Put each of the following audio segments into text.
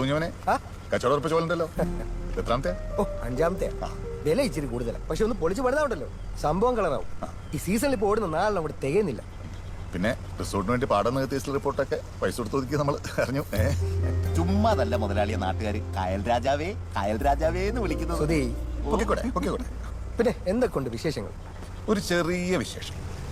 കുഞ്ഞോനെ കച്ചവടം ഉറപ്പിച്ച പോലുണ്ടല്ലോ. എത്രാമത്തെ? ഓ, അഞ്ചാമത്തെ. വില ഇച്ചിരി കൂടുതലാണ്, പക്ഷെ ഒന്ന് പൊളിച്ച് പണിതാവണ്ടല്ലോ, സംഭവം കളറാവും. ഈ സീസണിൽ ഇപ്പോൾ ഓടുന്ന നാളെ അവിടെ തികയുന്നില്ല. പിന്നെ റിസോർട്ടിന് വേണ്ടി പാടം നികത്തിയ റിപ്പോർട്ടൊക്കെ പൈസ കൊടുത്ത് ഒതുക്കി നമ്മൾ അറിഞ്ഞു. ചുമ്മാതല്ല മുതലാളിയെ നാട്ടുകാർ കായൽ രാജാവേ കായൽ രാജാവേ എന്ന് വിളിക്കുന്നത്. സുധീ, പൊക്കിക്കോട്ടെ പൊക്കിക്കോട്ടെ. പിന്നെ എന്തൊക്കെയുണ്ട് വിശേഷങ്ങൾ? ഒരു ചെറിയ വിശേഷം.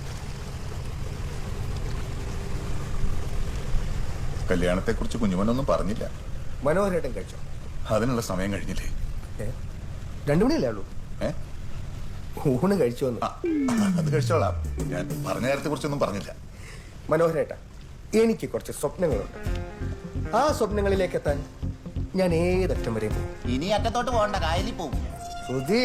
കല്യാണത്തെക്കുറിച്ച് കുഞ്ഞുമനൊന്നും പറഞ്ഞില്ല. മനോഹരേട്ടൻ കഴിച്ചോ? അതിനുള്ള സമയം കഴിഞ്ഞില്ലേ? 2 മണിയല്ലേ ഉള്ളൂ. ഊണ് കഴിച്ചോ? അത് കഴിച്ചോളാം. ഞാൻ പറഞ്ഞ കാര്യത്തെ കുറിച്ചൊന്നും പറഞ്ഞില്ല. മനോഹരേട്ട, എനിക്ക് കുറച്ച് സ്വപ്നങ്ങളുണ്ട്. ആ സ്വപ്നങ്ങളിലേക്ക് എത്താൻ ഞാൻ ഏതറ്റം വരെ പോകും. ഇനി അറ്റത്തോട്ട് പോകണ്ട, കായലിൽ പോകും. സുധീ,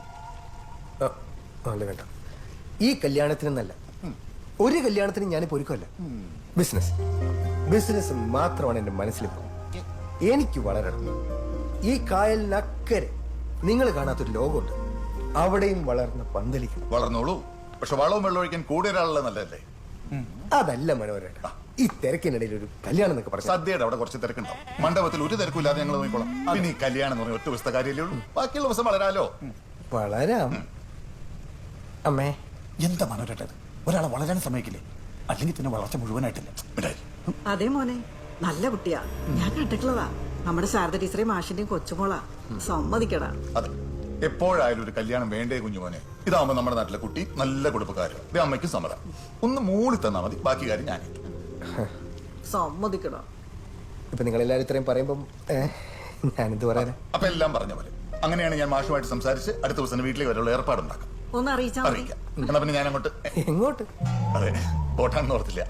അല്ല വേണ്ട. ഈ കല്യാണത്തിനെന്നല്ല, ഒരു കല്യാണത്തിനും ഞാനിപ്പോ ഒരുക്കമല്ല. ബിസിനസ് മാത്രമാണ് എന്റെ മനസ്സിലിപ്പോ. എനിക്ക് വളരണം. ഈ കായലിനക്കരെ നിങ്ങൾ കാണാത്തൊരു ലോകമുണ്ട്, അവിടെയും വളർന്ന് പന്തലിക്കണം. വളർന്നോളൂ, പക്ഷെ വളവും വെള്ളം ഒഴിക്കാൻ കൂടെ ഒരാളുള്ള നല്ലതല്ലേ? അതല്ല മനോഹരേട്ട, ഈ തിരക്കിനിടയിൽ ഒരു കല്യാണം എന്നൊക്കെ പറഞ്ഞു. സദ്യയുടെ അവിടെ കുറച്ച് തിരക്കുണ്ടാവും. മണ്ഡപത്തിൽ ഒരു തിരക്കില്ലാതെ ഞങ്ങൾ നോക്കിക്കോളാം. പിന്നെ ഈ കല്യാണം എന്ന് പറഞ്ഞ ഒറ്റ ദിവസത്തെ കാര്യമല്ലേ ഉള്ളൂ. ബാക്കിയുള്ള ദിവസം വളരാലോ. വളരാം. അമ്മേ, എന്താ മനോരട്ടത്? ഒരാളെ വളരാൻ സമ്മതിക്കില്ലേ? അല്ലെങ്കിൽ പിന്നെ വളർച്ച മുഴുവനായിട്ടില്ല. അതേ മോനെ, നല്ല കുട്ടിയാ, ഞാൻ കണ്ടിട്ടുള്ളതാ. നമ്മുടെ ശാരദ ടീച്ചറേയും മാഷിന്റെയും കൊച്ചുമോളാ. സമ്മതിക്കടാ. അതെ, എപ്പോഴായാലും ഒരു കല്യാണം വേണ്ടേ കുഞ്ഞുമോനെ? ഇതാവുമ്പോ നമ്മുടെ നാട്ടിലെ കുട്ടി നല്ല കുടുംബക്കാരോ. ഇത് അമ്മയ്ക്കും സമ്മതം. ഒന്ന് മൂളി തന്നാ മതി, ബാക്കി കാര്യം ഞാൻ. സമ്മതിക്കടാ. ഇപ്പൊ നിങ്ങൾ എല്ലാവരും ഇത്രയും പറയുമ്പം ഞാനെന്ത് പറയാനാ? അപ്പൊ എല്ലാം പറഞ്ഞ പോലെ. അങ്ങനെയാണ് ഞാൻ മാഷുമായിട്ട് സംസാരിച്ച് അടുത്ത ദിവസം വീട്ടിലേക്ക് വരെയുള്ള ഏർപ്പാടുണ്ടാക്കാം. ഒന്ന് അറിയിച്ചാ മതി. അറിയിക്കാം. എന്നാ പിന്നെ ഞാൻ അങ്ങോട്ട്. എങ്ങോട്ട്? അതെ, പോട്ടാണെന്ന് ഓർത്തില്ല.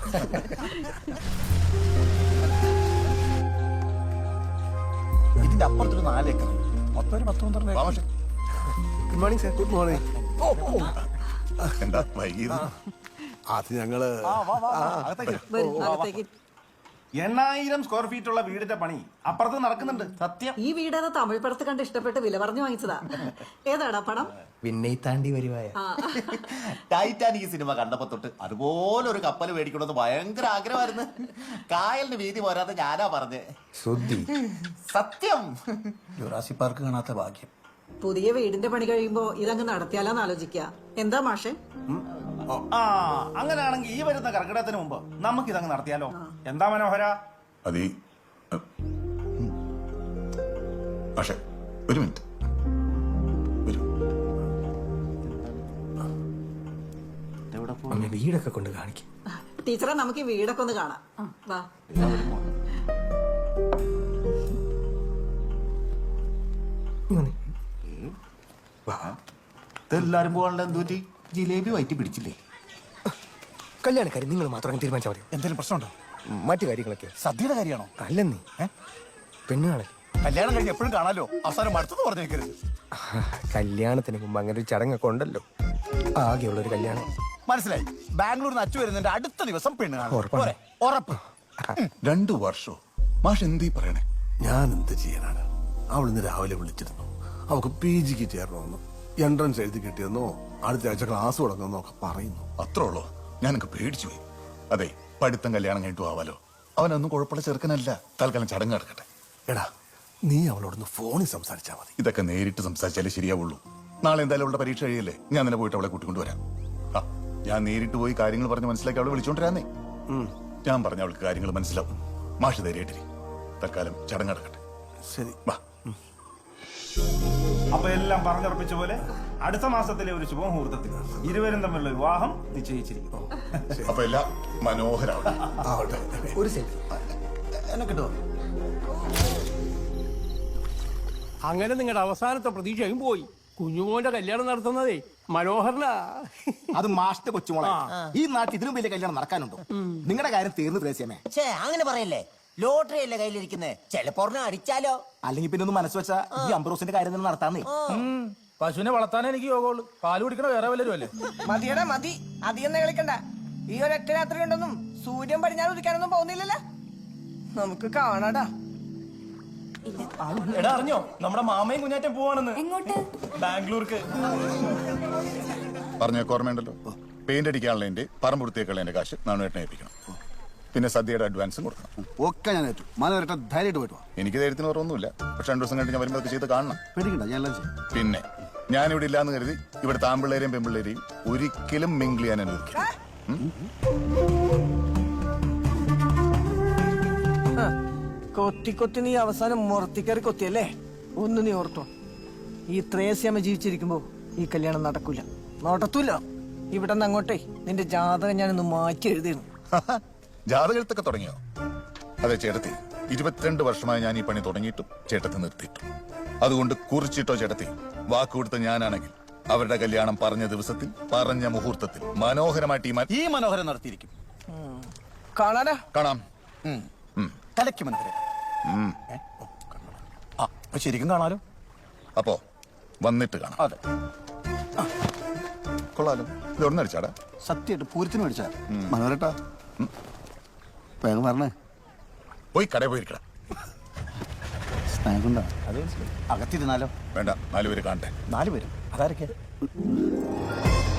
ഇതിന്റെ അപ്പുറത്തൊരു 4 ഏക്കർ, മൊത്തം ഒരു 10-12 വാ മാഷെ. Good morning sir. Good morning. എന്താ വൈകിയത്? അത് ഞങ്ങള് വരൂ, അകത്തേക്ക്. 8000 സ്ക്വയർ ഫീറ്റ് ഉള്ള വീടിന്റെ പണി അപ്പുറത്ത് നടക്കുന്നുണ്ട്. സത്യം. ഈ വീടേതാ തമിഴ് പടത്ത് കണ്ട് ഇഷ്ടപ്പെട്ട് വില പറഞ്ഞു വാങ്ങിച്ചതാ. ഏതാടാ പണം? വിണ്ണை താണ്ടി വരുവായ. ടൈറ്റാനിക് സിനിമ കണ്ടപ്പോ തൊട്ട് അതുപോലെ ഒരു കപ്പൽ മേടിക്കണമെന്ന് ഭയങ്കര ആഗ്രഹമായിരുന്നു. കായലിന് വീതി പോരാതെ ഞാനാ പറഞ്ഞേ. സുധി, സത്യം. ജുറാസി പാർക്ക് കാണാത്ത ഭാഗ്യം. പുതിയ വീടിന്റെ പണി കഴിയുമ്പോ ഇതങ്ങ് നടത്തിയാലോന്ന് ആലോചിക്ക. എന്താ മാഷെ? അങ്ങനെയാണെങ്കിൽ ഈ വരുന്ന കർക്കിടകത്തിന് മുമ്പ് നമുക്ക് ഇതങ്ങ് നടത്തിയാലോ? എന്താ മനോഹര? അതി പക്ഷെ ഒരു മിനിറ്റ് വരൂ. അമ്മ വീടൊക്കെ കൊണ്ട് കാണിക്കും. ടീച്ചറെ, നമുക്ക് ഈ വീടൊക്കെ ഒന്ന് കാണാം. വാ. എല്ലാരും പോകാനുള്ള എന്തുപറ്റി? ജിലേബി വയറ്റി പിടിച്ചില്ലേ? കല്യാണക്കാരി നിങ്ങൾ മാത്രം തീരുമാനിച്ചാൽ മതി. എന്തെങ്കിലും പ്രശ്നമുണ്ടോ? മറ്റു കാര്യങ്ങളൊക്കെ സദ്യയുടെ കാര്യമാണോ? അല്ലെന്നീ പെണ്ണുകാണൽ. കല്യാണം കഴിഞ്ഞ് എപ്പോഴും കാണാലോ, അവസാനം അടുത്തെന്ന് പറഞ്ഞേക്കരുത്. കല്യാണത്തിന് മുമ്പ് അങ്ങനെ ഒരു ചടങ്ങൊക്കെ ഉണ്ടല്ലോ. ആകെയുള്ളൊരു കല്യാണം. മനസ്സിലായി. ബാംഗ്ലൂരിൽ നിന്ന് അച്ചു വരുന്നതിന്റെ അടുത്ത ദിവസം പെണ്ണ് കാണാം. ഉറപ്പാണ്. ഉറപ്പ്. 2 വർഷോ? മാഷ് എന്തീ പറയണേ? ഞാൻ എന്ത് ചെയ്യാനാണ്? അവളിന്ന് രാവിലെ വിളിച്ചിരുന്നു. അവൾക്ക് PG ചേരണമെന്ന്, എൻട്രൻസ് എഴുതി കിട്ടിയെന്നോ അടുത്ത ആഴ്ച ക്ലാസ് തുടങ്ങുന്നോ ഒക്കെ പറയുന്നു. അത്രേ ഉള്ളോ? ഞാനൊക്കെ പേടിച്ചു പോയി. അതെ, പഠിത്തം കല്യാണം കഴിഞ്ഞിട്ട് ആവാലോ. അവനൊന്നും കുഴപ്പമുള്ള ചെറുക്കനല്ല. തൽക്കാലം ചടങ്ങ് നടക്കട്ടെ. എടാ, നീ അവളോടൊന്ന് ഫോണിൽ സംസാരിച്ചാൽ മതി. ഇതൊക്കെ നേരിട്ട് സംസാരിച്ചാലേ ശരിയാവുള്ളൂ. നാളെ എന്തായാലും അവളുടെ പരീക്ഷ കഴിയല്ലേ. ഞാൻ തന്നെ പോയിട്ട് അവളെ കൂട്ടിക്കൊണ്ടുവരാം. ഞാൻ നേരിട്ട് പോയി കാര്യങ്ങൾ പറഞ്ഞ് മനസ്സിലാക്കി അവളെ വിളിച്ചോണ്ടിരാന്നേ. ഞാൻ പറഞ്ഞ അവൾക്ക് കാര്യങ്ങൾ മനസ്സിലാവും. മാഷ് ധൈര്യമായിട്ടിരി. തൽക്കാലം ചടങ്ങ് നടക്കട്ടെ. ശരി, വാ. അപ്പൊ എല്ലാം പറഞ്ഞുറപ്പിച്ച പോലെ അടുത്ത മാസത്തിലെ ഒരു ശുഭമുഹൂർത്തത്തിൽ ഇരുവരും തമ്മിലുള്ള വിവാഹം നിശ്ചയിച്ചിരിക്കുന്നു. അപ്പൊ എല്ലാം മനോഹരമാണ്. ആവട്ടെ. ഒരു സെൽഫി എന്നെ കിട്ടുമോ? അങ്ങനെ നിങ്ങളുടെ അവസാനത്തെ പ്രതീക്ഷയും പോയി. കുഞ്ഞുമോന്റെ കല്യാണം നടത്തുന്നതേ മനോഹരനാ. അത് മാഷ്ട കൊച്ചുമോളെ. ഈ നാട്ടിൽ ഇതിനും വലിയ കല്യാണം നടക്കാനുണ്ടോ? നിങ്ങളുടെ കാര്യം തീർന്നു ത്രേസ്യമേ. അങ്ങനെ പറയല്ലേ, ലോട്ടറി അല്ലേ കയ്യിലിരിക്കുന്നത്, ചിലപ്പോ അടിച്ചാലോ. അല്ലെങ്കിൽ പിന്നെ ഒന്ന് മനസ്സ് വെച്ചാ ഈ അംബ്രോസിന്റെ കാര്യം തന്നെ നടത്താന്നേ. പശുവിനെ വളർത്താനേ എനിക്ക് യോഗമുള്ളൂ. പാല് കുടിക്കണ വേറെ വല്ലരും അല്ലേ? മതിയടാ മതി, അധികം കളിക്കണ്ട. ഈ ഒരൊറ്റ രാത്രി ഉണ്ടെന്നും സൂര്യൻ പടിഞ്ഞാറ് ഉദിക്കാനൊന്നും പോകുന്നില്ലല്ലോ. നമുക്ക് കാണാടാ. എടാ, അറിഞ്ഞോ നമ്മുടെ മാമയും കുഞ്ഞാറ്റം പോവാണെന്ന്? എങ്ങോട്ട്? ബാംഗ്ലൂർക്ക്. പറഞ്ഞ ഓർമ്മയുണ്ടല്ലോ, പെയിന്റ് അടിക്കാനുള്ളതിന്റെ പറമ്പ് വൃത്തിയേക്കുള്ളതിന്റെ കാശ് നാണുവേട്ടനെ ഏൽപ്പിക്കണം. പിന്നെ സദ്യയുടെ അഡ്വാൻസും കൊടുക്കണം. ഒക്കെ ഞാൻ ഏറ്റു. മല വരട്ടെ, ധൈര്യമായിട്ട് പോയിട്ട് വാ. എനിക്ക് ധൈര്യത്തിന് കുറവൊന്നുമില്ല. പക്ഷെ 2 ദിവസം കഴിഞ്ഞ് ഞാൻ വരുമ്പോൾ ചെയ്ത് കാണണം. പേടിക്കണ്ട, ഞാൻ എല്ലാം ചെയ്യും. പിന്നെ ഞാനിവിടെ ഇല്ലാന്ന് കരുതി ഇവിടുത്തെ ആമ്പിള്ളേരെയും പെമ്പിള്ളേരെയും ഒരിക്കലും മിങ്കിൾ ചെയ്യാൻ അനുവദിക്കില്ല. കൊത്തി നീ അവസാനം മുറത്തിക്കറി കൊത്തിയല്ലേ? ഒന്ന് നീ ഓർത്തോ, ഈ ത്രേസ്യാമ്മ ജീവിച്ചിരിക്കുമ്പോ ഈ കല്യാണം നടക്കൂല. ഇവിടെ നിന്ന് അങ്ങോട്ടേ നിന്റെ ജാതകം ഞാനൊന്ന് മാറ്റി എഴുതിയിരുന്നു. ജാതകത്തൊക്കെ തുടങ്ങിയോ? അതെ ചേട്ടത്തി, 22 വർഷമായി ഞാൻ ഈ പണി തുടങ്ങിയിട്ടും ചേട്ടത്തി നിർത്തിയിട്ടു. അതുകൊണ്ട് കുറിച്ചിട്ടോ ചേട്ടത്തി, വാക്കുകൊടുത്ത ഞാനാണെങ്കിൽ അവരുടെ കല്യാണം പറഞ്ഞ ദിവസത്തിൽ പറഞ്ഞ മുഹൂർത്തത്തിൽ മനോഹരമായിട്ട് ഈ മനോഹരം നടത്തിയിരിക്കും. കാണാനാ? കാണാം. കലയ്ക്ക് മനോഹരം. ശരിക്കും കാണാലോ. അപ്പോ വന്നിട്ട് കാണാം. അതെ, കൊള്ളാലോ. ഇത് എവിടെ അടിച്ചാടാ? സത്യമായിട്ട് പൂരത്തിന് മേടിച്ചാ. മനോരട്ടാ, വേഗം പറഞ്ഞേ. പോയി കടയിൽ പോയിരിക്കട. സ്നേഹമുണ്ടാ? അത് മനസ്സിലായി. അകത്തിരുന്നാലോ? വേണ്ട, 4 പേര് കാണട്ടെ. 4 പേരും. അതാരൊക്കെ?